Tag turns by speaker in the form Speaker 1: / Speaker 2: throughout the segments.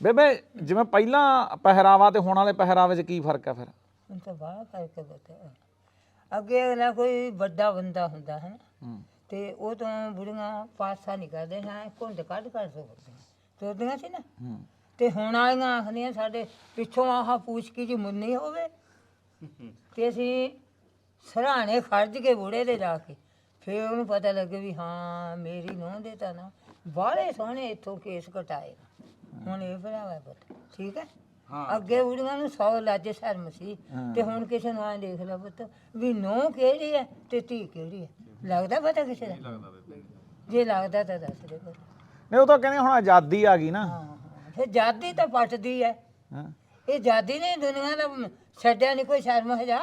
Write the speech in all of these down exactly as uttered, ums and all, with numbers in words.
Speaker 1: ਬੇਬੇ ਜਿਵੇਂ ਪਹਿਲਾਂ ਪਹਿਰਾਵਾ ਤੇ ਹੁਣ ਵਾਲੇ ਪਹਿਰਾਵੇ 'ਚ ਕੀ ਫਰਕ ਆ ਫਿਰ?
Speaker 2: ਹੁਣ ਤਾਂ ਬੜਾ ਫਰਕ ਹੈ। ਅੱਗੇ ਅਗਲਾ ਕੋਈ ਵੱਡਾ ਬੰਦਾ ਹੁੰਦਾ ਹੈ ਨਾ ਤੇ ਉਹ ਤਾਂ ਬੁੜੀਆਂ ਪਾਸਾ ਨਹੀਂ ਕਰਦੇ ਹਾਂ ਘੁੰਡ ਕੱਢ ਕੱਢ ਸੋਦੀਆਂ ਸੋਦੀਆਂ ਸੀ ਨਾ ਤੇ ਹੁਣ ਵਾਲੀਆਂ ਆਖਦੀਆਂ ਸਾਡੇ ਪਿੱਛੋਂ ਆਹ ਪੂਛ ਕੀ ਜੀ ਮੁੰਨੀ ਹੋਵੇ ਤੇ ਅਸੀਂ ਸਰਾਣੇ ਖੜਜ ਕੇ ਬੁੜੇ ਦੇ ਜਾ ਕੇ ਫਿਰ ਉਹਨੂੰ ਪਤਾ ਲੱਗੇ ਵੀ ਹਾਂ ਮੇਰੀ ਨੂੰਹ ਦੇ ਤਾਂ ਨਾ ਬਾਹਲੇ ਸੋਹਣੇ ਇੱਥੋਂ ਕੇਸ ਕਟਾਏ ਹੁਣ ਇਹ ਭਰਾਵਾ ਪੁੱਤ ਠੀਕ ਹੈ। ਅੱਗੇ ਬੁੜੀਆਂ ਨੂੰ ਸੌ ਲਾਜੇ ਸ਼ਰਮ ਸੀ ਤੇ ਹੁਣ ਕਿਸੇ ਨੂੰ ਐਂ ਦੇਖ ਲਾ ਪੁੱਤ ਵੀ ਨੂੰਹ ਕਿਹੜੀ ਹੈ ਤੇ ਧੀ ਕਿਹੜੀ ਹੈ ਲੱਗਦਾ ਪਤਾ ਕਿਸੇ ਦਾ ਜੇ ਲੱਗਦਾ ਤਾਂ ਦੱਸ ਦੇ ਪੁੱਤ।
Speaker 1: ਨਹੀਂ ਉਹ ਤਾਂ ਕਹਿੰਦੇ ਹੁਣ ਆਜ਼ਾਦੀ ਆ ਗਈ ਨਾ।
Speaker 2: ਹਾਂ ਫਿਰ ਜਾਦੀ ਤਾਂ ਪੱਟਦੀ ਹੈ
Speaker 1: ਹਾਂ
Speaker 2: ਇਹ ਜਾਦੀ ਨੇ ਦੁਨੀਆ ਦਾ ਛੱਡਿਆ ਨਹੀਂ ਕੋਈ ਸ਼ਰਮ ਹਜਾ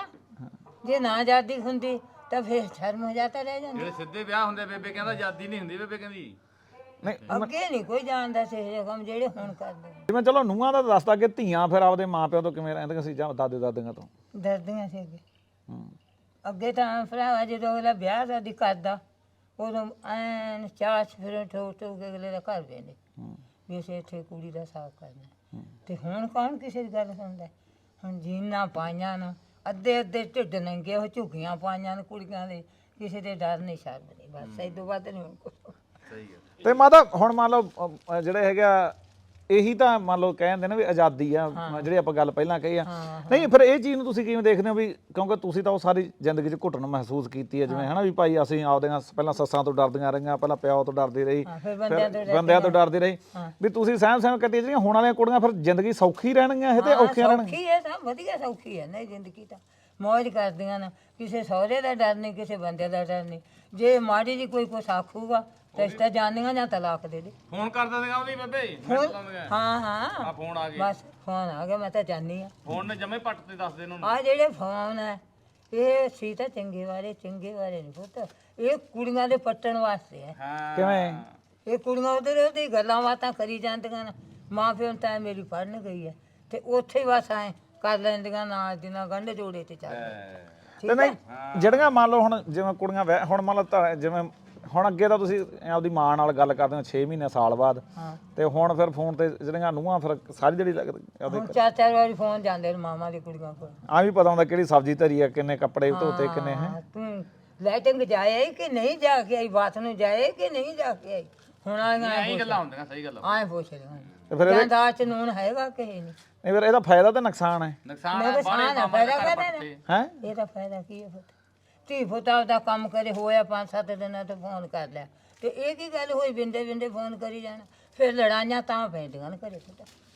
Speaker 2: ਜੇ ਨਾ ਆਜ਼ਾਦੀ ਹੁੰਦੀ ਤਾਂ ਫਿਰ ਸ਼ਰਮ ਹਜਾ ਤਾਂ ਰਹਿ ਜਾਂਦੀ।
Speaker 3: ਜਿਹੜੇ ਸਿੱਧੇ ਵਿਆਹ ਹੁੰਦੇ ਬੇਬੇ ਕਹਿੰਦਾ ਆਜ਼ਾਦੀ ਨਹੀਂ ਹੁੰਦੀ ਬੇਬੇ ਕਹਿੰਦੀ
Speaker 1: ਨਹੀਂ
Speaker 2: ਅੱਗੇ ਨਹੀਂ ਕੋਈ ਜਾਣਦਾ ਸੀ ਇਹ ਕੰਮ ਜਿਹੜੇ ਹੁਣ ਕਰਦੇ
Speaker 1: ਜਿਵੇਂ ਚਲੋ ਨੂੰਹਾਂ ਦਾ ਦੱਸਦਾ ਕਿ ਧੀਆਂ ਫਿਰ ਆਪਦੇ ਮਾਪਿਆਂ ਤੋਂ ਕਿਵੇਂ ਰਹਿੰਦੀਆਂ ਸੀ ਜਾਂ ਦਾਦੇ ਦਾਦੀਆਂ ਤੋਂ।
Speaker 2: ਡਰਦੀਆਂ ਸੀ ਅੱਗੇ
Speaker 1: ਹੂੰ
Speaker 2: ਅੱਗੇ ਤਾਂ ਭਰਾਵਾ ਜਦੋਂ ਅਗਲਾ ਵਿਆਹ ਸ਼ਾਦੀ ਕਰਦਾ ਉਦੋਂ ਐਨ ਚਾਹ ਫਿਰ ਠੋਕ ਠੋਕ ਕੇ ਅਗਲੇ ਦਾ ਘਰ ਵੇਂਦੇ ਵੀ ਅਸੀਂ ਇੱਥੇ ਕੁੜੀ ਦਾ ਸਾਥ ਕਰਨਾ ਤੇ ਹੁਣ ਕੌਣ ਕਿਸੇ ਦੀ ਗੱਲ ਸੁਣਦਾ ਹੁਣ ਜੀਨਾਂ ਪਾਈਆਂ ਨੂੰ ਅੱਧੇ ਅੱਧੇ ਢਿੱਡ ਨੰਗੇ ਉਹ ਝੁੱਗੀਆਂ ਪਾਈਆਂ ਨੇ ਕੁੜੀਆਂ ਦੇ ਕਿਸੇ ਦੇ ਡਰ ਨਹੀਂ ਸ਼ਰਮ ਨਹੀਂ ਬਸ ਇਹ ਤੋਂ ਵੱਧ ਨਹੀਂ ਹੁਣ ਕੁਛ।
Speaker 3: ਸਹੀ ਹੈ
Speaker 1: ਤੇ ਮਾਤਾ ਹੁਣ ਮੰਨ ਲਓ ਅ, ਜਿਹੜੇ ਹੈਗਾ ਇਹੀ ਤਾਂ ਮੰਨ ਲਓ ਕਹਿੰਦੇ ਨੇ ਵੀ ਆਜ਼ਾਦੀ ਆ ਜਿਹੜੀ ਆਪਾਂ ਗੱਲ ਪਹਿਲਾਂ ਕਹੀ ਆ। ਨਹੀਂ ਫਿਰ ਇਹ ਚੀਜ਼ ਨੂੰ ਤੁਸੀਂ ਕਿਵੇਂ ਦੇਖਦੇ ਹੋ ਵੀ ਕਿਉਂਕਿ ਤੁਸੀਂ ਤਾਂ ਉਹ ਸਾਰੀ ਜ਼ਿੰਦਗੀ 'ਚ ਘੁੱਟਣ ਮਹਿਸੂਸ ਕੀਤੀ ਹੈ ਜਿਵੇਂ ਹਨਾ ਵੀ ਭਾਈ ਅਸੀਂ ਆਪਦੀਆਂ ਪਹਿਲਾਂ ਸੱਸਾਂ ਤੋਂ ਡਰਦੀਆਂ ਰਹੀਆਂ ਪਹਿਲਾਂ ਪਿਓ ਤੋਂ ਡਰਦੀ ਰਹੀ
Speaker 2: ਫਿਰ ਬੰਦਿਆਂ ਤੋਂ
Speaker 1: ਫਿਰ ਬੰਦਿਆਂ ਤੋਂ ਡਰਦੀ ਰਹੀ ਵੀ ਤੁਸੀਂ ਸਹਿਮ ਸਹਿਮ ਕੱਟੀ ਜਿਹੜੀਆਂ ਹੁਣ ਵਾਲੀਆਂ ਕੁੜੀਆਂ ਫਿਰ ਜ਼ਿੰਦਗੀ ਸੌਖੀ ਰਹਿਣਗੀਆਂ ਇਹ ਤੇ ਔਖੀਆਂ ਰਹਿਣਗੀਆਂ।
Speaker 2: ਸੌਖੀ ਹੈ ਤਾਂ ਵਧੀਆ ਸੌਖੀ ਹੈ ਨਹੀਂ ਜ਼ਿੰਦਗੀ ਤਾਂ ਮੌਜ ਕਰਦੀਆਂ ਨੇ ਕਿਸੇ ਸਹੁਰੇ ਦਾ ਡਰ ਨਹੀਂ ਕਿਸੇ ਬੰਦੇ ਦਾ ਡਰ ਨਹੀਂ ਜੇ ਮਾੜੀ ਜੀ ਕੋਈ ਕੁਛ ਆਖੂਗਾ ਤਾਂ ਇਸ ਤਾਂ ਜਾਨੀਆਂ ਜਾਂ ਤਲਾਕ ਦੇ ਦੇ
Speaker 3: ਫੋਨ ਕਰ ਦਿੰਦੇ ਉਹਦੀ ਬੇਬੇ
Speaker 2: ਫੋਨ ਹਾਂ ਹਾਂ
Speaker 3: ਆ ਫੋਨ ਆ ਗਏ
Speaker 2: ਬਸ ਫੋਨ ਆ ਗਿਆ ਮੈਂ ਤਾਂ ਜਾਣੀ ਆ
Speaker 3: ਫੋਨ ਨੇ ਜਮੇ ਪੱਟ ਤੇ ਦੱਸ ਦੇ ਇਹਨਾਂ ਨੂੰ
Speaker 2: ਆ ਜਿਹੜੇ ਫੋਨ ਹੈ ਇਹ ਸੀ ਤਾਂ ਚੰਗੇ ਵਾਲੇ ਚੰਗੇ ਵਾਲੇ ਨਹੀਂ ਪੁੱਤ ਇਹ ਕੁੜੀਆਂ ਦੇ ਪੱਟਣ ਵਾਸਤੇ ਹੈ।
Speaker 3: ਹਾਂ
Speaker 1: ਕਿਵੇਂ?
Speaker 2: ਇਹ ਕੁੜੀਆਂ ਉਧਰ ਉਹਦੀ ਗੱਲਾਂ ਬਾਤਾਂ ਕਰੀ ਜਾਂਦੀਆਂ ਨੇ ਮਾਂ ਪਿਓ ਤਾਂ ਮੇਰੀ ਪੜ੍ਹਨ ਗਈ ਹੈ ਤੇ ਉੱਥੇ ਹੀ ਬਸ ਐ ਕਰ ਲੈਂਦੀਆਂ ਨਾਲ ਦੀ ਨਾਲ ਗੰਢ ਜੋੜੇ ਤੇ ਚੱਲ
Speaker 1: ਤੇ ਨਹੀਂ ਜਿਹੜੀਆਂ ਮੰਨ ਲਓ ਹੁਣ ਜਿਵੇਂ ਕੁੜੀਆਂ ਵਿਆਹ ਹੁਣ ਮੰਨ ਲਓ ਤਾਂ ਜਿਵੇਂ ਹੁਣ ਅੱਗੇ ਤਾਂ ਤੁਸੀਂ ਆਪਦੀ ਮਾਂ ਨਾਲ ਗੱਲ ਕਰਦੇ ਹੋ ਛੇ ਮਹੀਨੇ ਸਾਲ ਬਾਅਦ ਤੇ ਹੁਣ ਫਿਰ ਫੋਨ ਤੇ ਜਿਹੜੀਆਂ ਨੂੰਹਾਂ ਫਿਰ ਸਾਰੀ ਜਿਹੜੀ ਲੱਗਦੀ
Speaker 2: ਹੁਣ ਚਾਰ ਚਾਰ ਵਾਰੀ ਫੋਨ ਜਾਂਦੇ ਨੇ ਮਾਮਾ ਦੀ ਕੁੜੀਆਂ ਕੋਲ
Speaker 1: ਆ ਵੀ ਪਤਾ ਹੁੰਦਾ ਕਿਹੜੀ ਸਬਜ਼ੀ ਧਰੀ ਆ ਕਿੰਨੇ ਕੱਪੜੇ ਧੋਤੇ ਕਿੰਨੇ ਹੈ।
Speaker 2: ਹਾਂ, ਤੂੰ ਲੈਟਿੰਗ ਜਾਏ ਕਿ ਨਹੀਂ ਜਾ ਕੇ ਆਈ ਬਾਤ ਨੂੰ ਜਾਏ ਕਿ ਨਹੀਂ ਜਾ ਕੇ ਆਈ ਹੁਣ ਆਈਆਂ
Speaker 3: ਇਹ ਗੱਲਾਂ ਹੁੰਦੀਆਂ ਸਹੀ ਗੱਲ
Speaker 2: ਆਏ ਪੁੱਛ ਰਹੇ
Speaker 1: ਤੇ ਫਿਰ ਇਹਦੇ
Speaker 2: ਜਾਂਦਾ ਚ ਨੂਨ ਹੈਗਾ ਕਿ ਨਹੀਂ
Speaker 1: ਨਹੀਂ ਫਿਰ ਇਹਦਾ ਫਾਇਦਾ ਤੇ ਨੁਕਸਾਨ ਹੈ।
Speaker 3: ਨੁਕਸਾਨ
Speaker 2: ਮੇਰੇ
Speaker 3: ਹੈ
Speaker 2: ਸਾਨ ਆ ਫਾਇਦਾ ਕਹਦੇ
Speaker 1: ਹੈ
Speaker 2: ਇਹਦਾ ਫਾਇਦਾ ਕੀ ਹੈ ਪੁੱਤ ਧੀ ਪੁੱਤ ਦਾ ਕੰਮ ਕਰੇ ਹੋਇਆ ਪੰਜ ਸੱਤ ਦਿਨਾਂ ਤੋਂ ਫੋਨ ਕਰ ਲਿਆ ਤੇ ਇਹ ਕੀ ਗੱਲ ਹੋਈ ਬਿੰਦੇ ਬਿੰਦੇ ਫੋਨ ਕਰੀ ਜਾਣਾ ਫਿਰ ਲੜਾਈਆਂ ਤਾਂ ਪੈਂਦੀਆਂ ਨੇ ਘਰੇ ਪੁੱਤ।